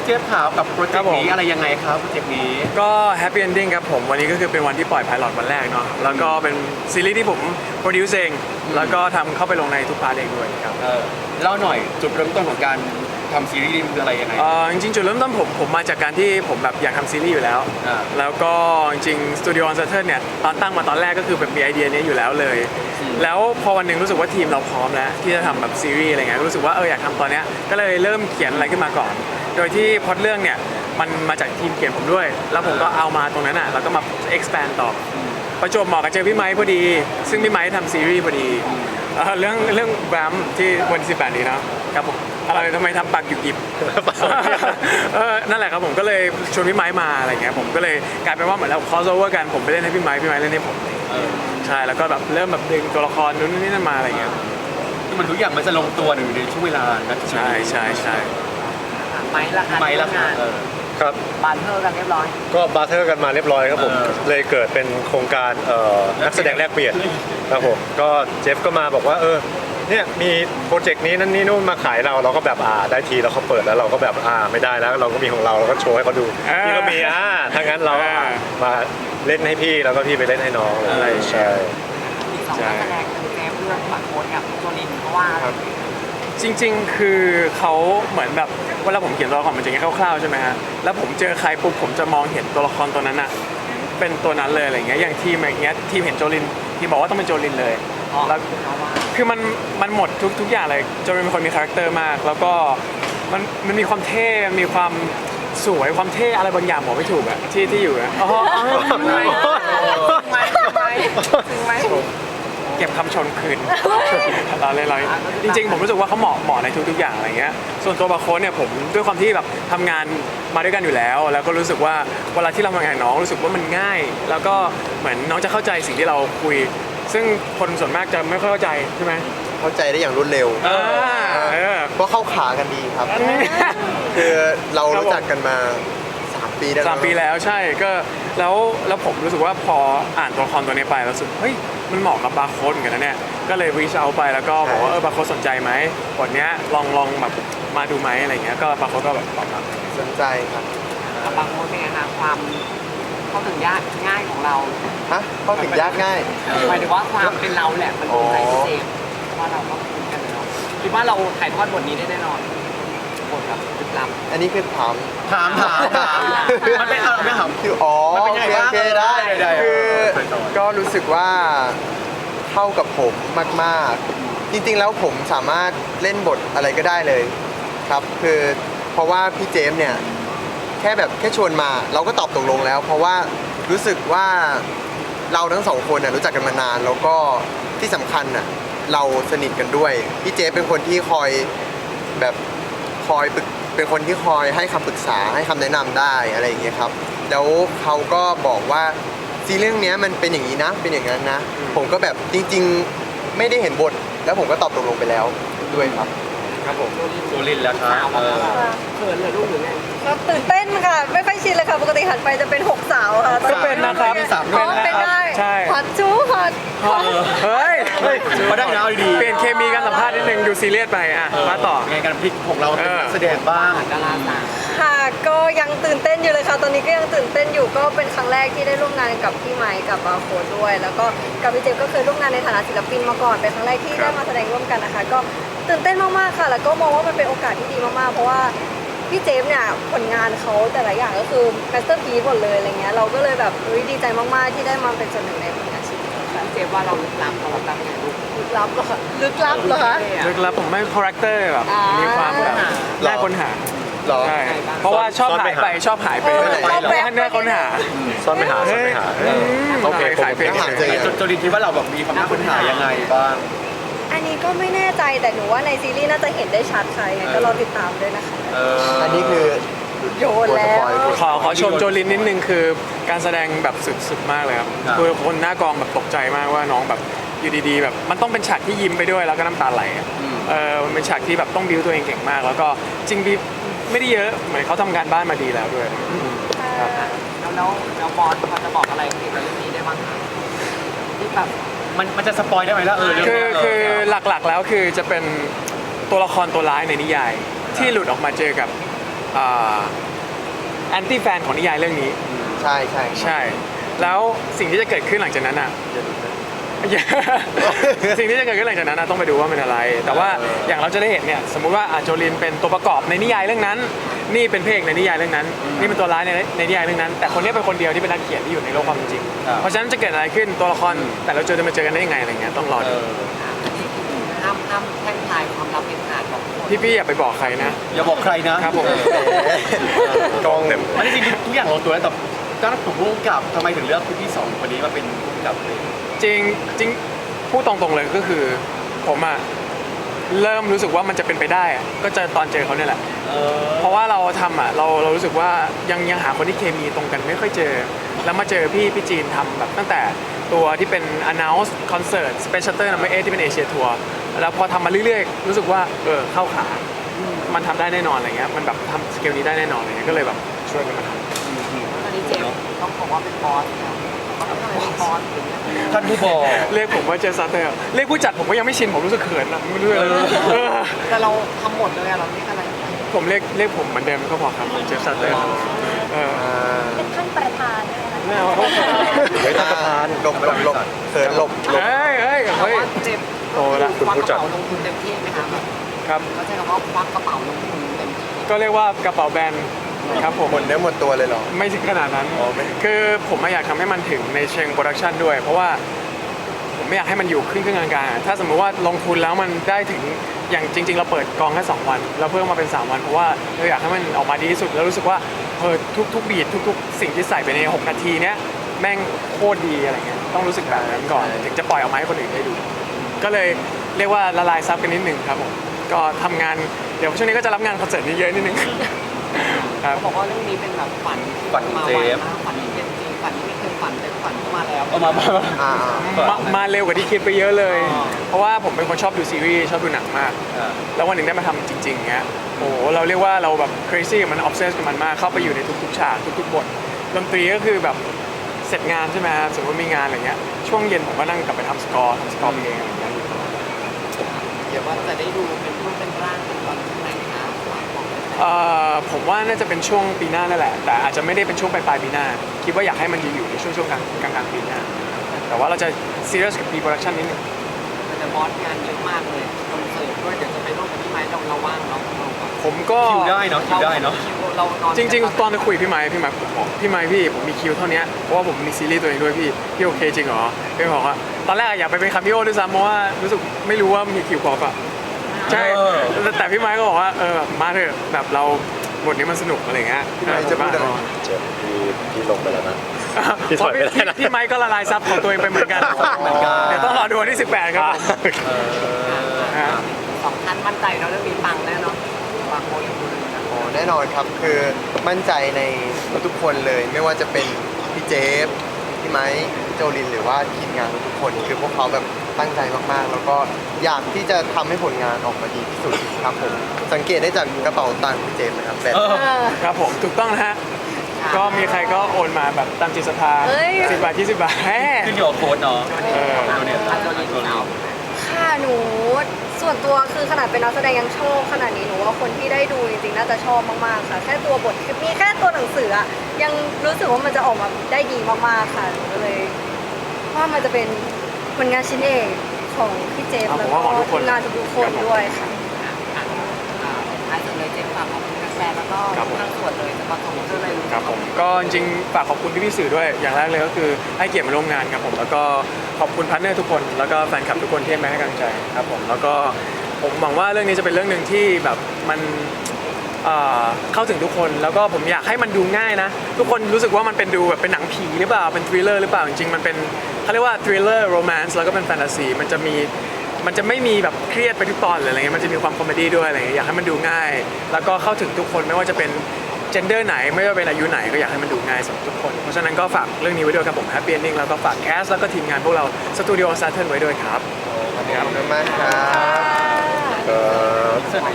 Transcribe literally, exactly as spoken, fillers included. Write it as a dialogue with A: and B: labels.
A: เจฟขาวกับโปรเจกต์นี้อะไรยังไงครับโปรเจกต์นี้
B: ก็แฮปปี้เอนดิ้งครับผมวันนี้ก็คือเป็นวันที่ปล่อยไพลอตวันแรกเนาะแล้วก็เป็นซีรีส์ที่ผมโปรดิวซ์เองแล้วก็ทำเข้าไปลงในทุกพาร์ทเองด้วยครับ
A: เออเล่าหน่อยจุดเริ่มต้นของการทำซีรีส์คืออะไรยังไง
B: เออจริงๆจุดเริ่มต้นผมผมมาจากการที่ผมแบบอยากทำซีรีส์อยู่แล้วแล้วก็จริงๆสตูดิโอออนเซอร์เทิลเนี่ยตอนตั้งมาตอนแรกก็คือแบบมีไอเดียนี้อยู่แล้วเลยแล้วพอวันหนึ่งรู้สึกว่าทีมเราพร้อมแล้วที่จะทำแบบซีรีส์อะไรเงี้ยรู้สึกว่าเอออยากทำตอนเนี้ยก็เลยเริ่มเขียนอะไรขึ้นมาก่อนโดยที่พล็อตเรื่องเนี่ยมันมาจากทีมเขียนผมด้วยแล้วผมก็เอามาตรงนั้นอ่ะแล้วก็มา expand ต่อประจวบเหมาะกับเจอพี่ไมค์พอดีซึ่งพี่ไมค์ทำซีรีส์พอดีเรื่องเรื่องแบมที่วันที่สิบแปดนี้นะครับผมอะไรทำไมทำปากหยุกหยิบเออนั่นแหละครับผมก็เลยชวนพี่ไมค์มาอะไรเงี้ยผมก็เลยกลายเป็นว่าเหมือนเรา cross over กันผมไปเล่นให้พี่ไมค์พี่ไมค์เล่นให้ผมใช่แล้วก็แบบเริ่มแบบดึงตัวละครนู้นนี่นั่นมาอะไรเงี้ย
A: คือมันทุกอย่างมันจะลงตัวในช่วงเวลานะ
B: ใช่ใช่ใช่
C: ไม้ละค่ะ
A: ไม้ละค่ะ
D: ครับ
C: บาร์เทอร์กันเรียบร้อย
D: ก็บาร์เทอร์กันมาเรียบร้อยครับผมเลยเกิดเป็นโครงการนักแสดงแลกเปลี่ยนครับผมก็เจฟก็มาบอกว่าเออเนี่ยมีโปรเจกต์นี้นั่นนี่นู่นมาขายเราเราก็แบบอ่าได้ทีแล้วเขาเปิดแล้วเราก็แบบอ่าไม่ได้แล้วเราก็มีของเราเราก็โชว์ให้เขาดูพี่ก็มีอ่าถ้างั้นเรามาเล่นให้พี่แล้วก็พี่ไปเล่นให้น้องอะไรใช่
C: อีกสองนักแสดงคือเจฟเรื่องบัตรโค้ดกับโจลินเพราะว่า
B: จริงๆคือเขาเหมือนแบบเวลาผมเขียนตัวละครมันจะอย่างคร่าวๆใช่ไหมฮะแล้วผมเจอใครปุ๊บผมจะมองเห็นตัวละครตัวนั้นอะเป็นตัวนั้นเลยอะไรเงี้ยอย่างทีมอย่างเงี้ยทีมเห็นโจลินทีมบอกว่าต้องเป็นโจลินเลยแล้วคือมันมันหมดทุกทุกอย่างเลยโจลินเป็นคนมีคาแรคเตอร์มากแล้วก็มันมันมีความเท่มีความสวยความเท่อะไรบางอย่างบอกไม่ถูกอะที่ที่อยู่อะอ๋อ
C: ถึงไหมถึงไหม
B: เก็บคำชมคืนเราเลยเราจริงๆผมรู้สึกว่าเขาเหมาะเหมาะในทุกๆอย่างอะไรเงี้ยส่วนตัวบาโค้ดเนี่ยผมด้วยความที่แบบทำงานมาด้วยกันอยู่แล้วแล้วก็รู้สึกว่าเวลาที่เราทำงานน้องรู้สึกว่ามันง่าย แล้วก็เหมือนน้องจะเข้าใจสิ่งที่เราคุยซึ่งคนส่วนมากจะไม่ค่อยเข้าใจใช่ไหม
E: เข้าใจได้อย่างรวดเร็วเพราะเข้าขากันดีครับคือเรารู้จักกันมาสามปีแล้ว
B: สามปีแล้วใช่ก็แล้วแล้วผมรู้สึกว่าพออ่านตัวละครตัวนี้ไปรู้สึกเฮ้ยมันเหมาะกับบาร์โค้ดเหมือนกันนะเนี่ยก็เลยรีชเอาไปแล้วก็บอกว่าเออบาร์โค้ดสนใจไหมบทเนี้ยลองลองแบบมาดูไหมอะไรเงี้ยก็บาร์โค้ดก็แบบตอบรับ
E: สนใจครับ
C: บาร์โค้ดเป็นไงคะความเข้าถึงยากง่ายของเรา
E: ฮะเข้าถึงยากง่าย
C: หมายถึงว่าความเป็นเราแหละมันเป็นใจพิเศษว่าเราก็คุ้นกันเนาะคิดว่าเราถ่ายทอดบทนี้ได้แน่นอนบทแบบลึกลับ
E: อันนี้คือถาม
A: ถามถามถามมันเป็นอะไรไม่ถาม
E: คืออ๋อโอเคโอเคได้คือก็รู้สึกว่าเข้ากับผมมากๆจริงๆแล้วผมสามารถเล่นบทอะไรก็ได้เลยครับคือเพราะว่าพี่เจมส์เนี่ยแค่แบบแค่ชวนมาเราก็ตอบตกลงแล้วเพราะว่ารู้สึกว่าเราทั้งสองคนน่ะรู้จักกันมานานแล้วก็ที่สำคัญน่ะเราสนิทกันด้วยพี่เจมส์เป็นคนที่คอยแบบคอยปรึกเป็นคนที่คอยให้คำปรึกษาให้คำแนะนำได้อะไรอย่างเงี้ยครับแล้วเขาก็บอกว่าซีเรื่องนี้มันเป็นอย่างนี้นะเป็นอย่างนั้นนะผมก็แบบจริงๆไม่ได้เห็นบทแล้วผมก็ตอบตกลงไปแล้วด้วยครับ
A: ครับผมโจลินแล้วครับ
C: เขินเลยลูกหรือไง
F: ครับตื่นเต้นค่ะไม่ค่อยชินเลยค่ะปกติหันไปจะเป็นหกสาวค่ะ
B: ก็เป็นนะครับ
F: เป็นได้ฮอตจูฮอต
B: เฮ้ย
A: มาได้แล้วดี
B: เปลี่ยนเคมีการสัมภาษณ์นิดนึงดูซีเรียสไปอ่ะมาต่อ
A: ไงการพลิกของเราเป็นนักแสดงบ้าง
C: ดาราสาว
F: ค่ะก็ยังตื่นเต้นอยู่เลยค่ะตอนนี้ก็ยังตื่นเต้นอยู่ก็เป็นครั้งแรกที่ได้ร่วมงานกับพี่ไมค์กับบาโค้ดด้วยแล้วก็กับพี่เจมก็เคยร่วมงานในฐานะศิลปินมาก่อนเป็นครั้งแรกที่ได้มาแสดงร่วมกันนะคะก็ตื่นเต้นมากๆค่ะแล้วก็มองว่ามันเป็นโอกาสที่ดีมากๆเพราะว่าพี่เจมเนี่ยผลงานเขาแต่ละอย่างก็คือแมสเตอร์พีซหมดเลยอะไรเงี้ยเราก็เลยแบบดีใจมากๆที่ได้มาเป็นส่วนหนึ่งในผลงานชิ้นนี้ค่ะ
C: เจมว่าเราลึกลับเราลึกลับยังไงลูก
F: ลึกลับเหรอลึกลับเหรอคะ
B: ลึกลับผมไม่คาแรคเตอร์แบบมีความแบบน่าค้นหาใช่เพราะว่าชอบหายไปชอบหายไปน่าค้นหา
D: ซ่อนไปหาซ่อนไปหา
B: โอเคขายเพลง
A: โจลินคิดว่าเราแบบมีความน่าค้นหายังไงบ้าง
F: อันนี้ก็ไม่แน่ใจแต่หนูว่าในซีรีส์น่าจะเห็นได้ชัดค่ะยังไงก็รอติดตามด้วยนะคะ
E: อันนี้คือ
F: โยนแล้ว
B: ขอขอชมโจลินนิดนึงคือการแสดงแบบสุดๆมากเลยครับคือคนหน้ากองแบบตกใจมากว่าน้องแบบอยู่ดีๆแบบมันต้องเป็นฉากที่ยิ้มไปด้วยแล้วก็น้ำตาไหลเออมันเป็นฉากที่แบบต้องบิ้วตัวเองเก่งมากแล้วก็จริงบิ้วไม่ได้เยอะเหมือนเขาทำงานบ้านมาดีแล้วด้วย
C: แล้วแล้วแล้วบอสเขาจะบอกอะไรเกี่ยวกับเรื่องนี้ได้บ้างคะที่แบบ
A: มันมันจะสปอยได้ไหมล่ะเออ
B: คือคือหลักๆแล้วคือจะเป็นตัวละครตัวร้ายในนิยายที่หลุดออกมาเจอกับแอนตี้แฟนของนิยายเรื่องนี้
E: ใช่ใช่
B: ใช่ แล้วสิ่งที่จะเกิดขึ้นหลังจากนั้นอ่ะ สิ่งที่จะเกิดขึ้นหลังจากนั้นนะต้องไปดูว่าเป็นอะไร แต่ว่าอย่างเราจะได้เห็นเนี่ยสมมุติว่าอาโจลินเป็นตัวประกอบในนิยายเรื่องนั้น นี่เป็นเพลงในนิยายเรื่องนั้น นี่เป็นตัวร้ายในในนิยายเรื่องนั้น แต่คนนี้เป็นคนเดียวที่เป็นนักเขียนที่อยู่ในโลกความเป็นจริง เพราะฉะนั้นจะเกิดอะไรขึ้นตัวละครแต่เราเจอจะมาเจอกันได้ยังไงอะไรเงี้ยต้องรอ
A: เอ
B: ดู
A: อ
C: ห้ามห้ามแท่งทายความลับเป็นขาดของคน
B: พี่ๆอย่าไปบอกใครนะ
A: อย่าบอกใครนะครับ
B: ผม
D: กล้องเต็ม
A: อันนี้จริงๆทุกอย่างลงตัวแล้วแต่ก็ผมพูดกับทำไมถึงเลือกพี่สองคนนี้มาเป็นผู้กำกับเลย
B: จริงจริงพูดตรงๆเลยก็คือผมอะเริ่มรู้สึกว่ามันจะเป็นไปได้อะก็จะตอนเจอเขาเนี่ยแหละ
A: เออ
B: เพราะว่าเราทำอ่ะเราเรารู้สึกว่ายังยังหาคนที่เคมีตรงกันไม่ค่อยเจอ แล้วมาเจอพี่พี่จีนทำแบบตั้งแต่ตัวที่เป็น announce concert special tour number eight ที่เป็นเอเชียทัวร์แล้วพอทำมาเรื่อยๆ รู้สึกว่าเออเข้าขา มันทำได้แน่นอนอะไรเงี้ยมันแบบทำสเกลนี้ได้แน่นอนอะไรเงี้ยก็เลยแบบช่วยกันมาท
C: ตอนนี้เจมส์ต้องบอกว่าเป็นบอสแล้วเขาต้องเป็นบอสถึงเนี่ย
A: ท่านผู้บอก
B: ำเรียกผมว่าเจสัตเตอร์เรียกผู้จัดผมก็ยังไม่ชินผมรู้สึกเขินนะไม่รู้อะไรเออ
C: แต่เราทำหมดเลยอะเราเรียกอะไร
B: ผมเรียกเรียกผมเหมือนเดิมก็พอครับเจสัตเตอร์เออ
E: อ่า
F: เป็นท่านประธานด้วยนะคะ
B: ไม่เอาเขา
D: เฮ้ยท่านประธาน
E: หลบหลบหลบเขินหลบหลบ
B: เฮ้ยเฮ้ย
C: แต่
B: เฮ้ย
C: ว่าเจมส์
B: โตละ
C: ควักกระเป๋าลงทุนเต็มที่ไหมคะแบบ
B: ครับ
C: เขาใช้คำว่าควักกระเป๋าลงทุนเต็มที่
B: ก็เรียกว่ากระเป๋าแบรนด์ครับผม
E: หมดเนื้อหมดตัวเลยเหรอ
B: ไม่ถึงขนาดนั้น
E: อ๋อไม่
B: คือผมไม่อยากทำให้มันถึงในเชิงโปรดักชันด้วย เพราะว่าผมไม่อยากให้มันอยู่ครึ่งครึ่งกลางๆถ้าสมมติว่าลงทุนแล้วมันได้ถึงอย่างจริง ๆ เราเปิดกองแค่สองวันเราเพิ่มมาเป็นสามวันเพราะว่าเราอยากให้มันออกมาดีที่สุดแล้วรู้สึกว่าเออทุกทุกบีททุก ๆ สิ่งที่ใส่ไปในหกนาทีเนี้ยแม่งโคตรดีอะไรเงี้ยต้องรู้สึกแบบนั้นก่อนถึงจะปล่อยออกมาให้คนอื่นได้ดู ก็เลยเรียกว่าละลายซับกันนิดหนึ่งครับผมก็ทำงานเดี๋ยวช่วงนี้ก็จะรับงานคอนเสิร์ตนี้เยอะนิดนึงครับ
C: เขาบอกว่าเรื่องนี้เป็นแบบฝัน
A: ฝันของ
C: มา
A: เจ
C: ไว
A: ฟ
C: มากฝันที่เป็นจริงฝันที่ไม่เคยฝันแต่ฝันเข้ามาแล้ว
A: เอามามา
E: อ่า
B: มามาเร็วกว่าที่คิดไปเยอะเลย
C: อ๋อ
B: เพราะว่าผมเป็นคนชอบดูซีรีส์ชอบดูหนังมาก
A: อ่า
B: แล้ววันหนึ่งได้มาทำจริงๆเงี้ยโอ้โหเราเรียกว่าเราแบบ crazy กับมัน obsess กับมันมาก เข้าไปอยู่ในทุกๆฉากทุกๆบทดนตรีก็คือแบบเสร็จงานใช่ไหมครับสมมติมีงานอะไรเงี้ย ช่วงเย็นผมก็นั่งกลับไปทำสกอร์ทำสกอร์เพลงอะไรเงี้ย
C: เดี๋ยวว่าจะได้ดูเป็นรูปเป็นร่างเป็นตอนที่ไหนคะฝากบอกเลย
B: เอ่อผมว่าน่าจะเป็นช่วงปีหน้านั่นแหละ แต่อาจจะไม่ได้เป็นช่วงปลายปลายๆปีหน้า คิดว่าอยากให้มันอยู่ๆในช่วงช่วงกลางกลางกลางปีหน้า แต่ว่าเราจะ serious กับ pre-production นิดนึง
C: แต่บอสงานเยอะมากเลยคอนเสิร์ตด้วยเดี๋ยวจะไปร่วมกับพี่ไม้เราเราว่างเนาะเราก็
B: ผมก็
A: คิวได้เนาะคิวได้เนาะ
C: คิวเรานอน
B: จริงๆ ตอนจะคุยกับพี่ไม้พี่ไม้ผมบอกพี่ไม้พี่ผมมีคิวเท่านี้เพราะว่าผมมีซีรีส์ตัวเองด้วยพี่พี่โอเคจริงเหรอพี่บอกว่าตอนแรกอยากไปเป็นคามิโอด้วยซ้ำเพราะว่ารู้สึกไม่รู้ว่ามีคิวพอปะใช่
A: เออ
B: แต่แต่พี่ไม้ก็บอกว่าเออมาเถอะแบบเราบทนี้มันสนุกอะไรเงี้ย
E: พี่ไม้จะพูดอะไร
D: เจ็บพี่พี่ลงไปแล้วนะ พี่
B: เพ
D: ถอ
B: ราะ
D: ย
B: พี่
D: ไม่ได้นะ
B: พี่ไม้ก็ละลายซับของตัวเองไปเหมือนกัน
A: เหมือนกัน
B: เดี๋ยวต้องรอดูวันที่สิบแปดครับผม
A: เออ
B: ฮะ
C: สองท่านมั่นใจเนาะเรื่องนี้ปังแน่เนอนปังโมยดูเลยนะ
E: โอ้แน่นอนครับคือมั่นใจในทุกๆคนเลย ไม่ว่าจะเป็นพี่เจฟพี่ไม้พี่โจลินหรือว่าทีมงานทุกๆคน คือพวกเขาแบบตั้งใจมากๆ แล้วก็อยากที่จะทำให้ผลงานออกมาดีที่สุดครับผมสังเกตได้จากกระเป๋าตังค์พี่เจฟนะครับแบบ
A: เออ
F: เออ
B: ครับผมถูกต้องนะฮะก็มีใครก็โอนมาแบบตามจิตศรัทธา
F: เอ้ย
B: สิบบาทยี่สิบบาทแหม
A: ขึ้นอยู่กับโค้ดเนาะ
B: เออ
A: โดเนท
C: อาจจะรีบสาว
F: ค่ะหนูส่วนตัวคือขนาดเป็นนักแสดงยังชอบขนาดนี้หนูว่าคนที่ได้ดูจริงๆน่าจะชอบมากๆค่ะ แค่ตัวบทคือมีแค่ตัวหนังสืออะยังรู้สึกว่ามันจะออกมาได้ดีมากๆค่ะหนูก็เลยว่ามันจะเป็นผลงานชิ้นเอกของพี่เจฟ
B: อ่ะ
F: แล้ว
B: ผม
F: ก็
B: ว่าของทุกคน
F: ทีมงานทุกๆคนด้วยค่ะ
C: ท้ายสุดเลยเจมส์ฝากขอบคุณแฟนแล้วก็ทั้งส่วนเลยจะมาส่งเพื่อเลย
B: ครับผมก็จริงๆฝากขอบคุณพี่ๆสื่อด้วยอย่างแรกเลยก็คือให้เกียรติมาร่วมงานครับผมแล้วก็ขอบคุณพาร์ทเนอร์ทุกคน แล้วก็แฟนคลับทุกคนที่ให้มาให้กำลังใจครับผมแล้วก็ผมหวังว่าเรื่องนี้จะเป็นเรื่องหนึ่งที่แบบมันเอ่อเข้าถึงทุกคนแล้วก็ผมอยากให้มันดูง่ายนะ ทุกคนรู้สึกว่ามันเป็นดูแบบเป็นหนังผีหรือเปล่าเป็นทริลเลอร์หรือเปล่าจริงๆมันเป็นเขาเรียกว่าทริลเลอร์โรแมนซ์แล้วก็เป็นแฟนตาซีมันจะมีมันจะไม่มีแบบเครียดไปทุกตอนเลยอะไรเงี้ยมันจะมีความคอมเมดี้ด้วยอะไรเงี้ยอยากให้มันดูง่าย แล้วก็เข้าถึงทุกคนไม่ว่าจะเป็นเจนเดอร์ไหนไม่ว่าเป็นอายุไหนก็อยากให้มันดูง่ายสำหรับทุกคนเพราะฉะนั้นก็ฝากเรื่องนี้ไว้ด้วยครับผม Happy Ending แล้วก็ฝากแคสแล้วก็ทีมงานพวกเราสตูดิโอซาเทิร์นไว้ด้วยครับ
E: ขอบคุณมากครับ
D: เอ่อ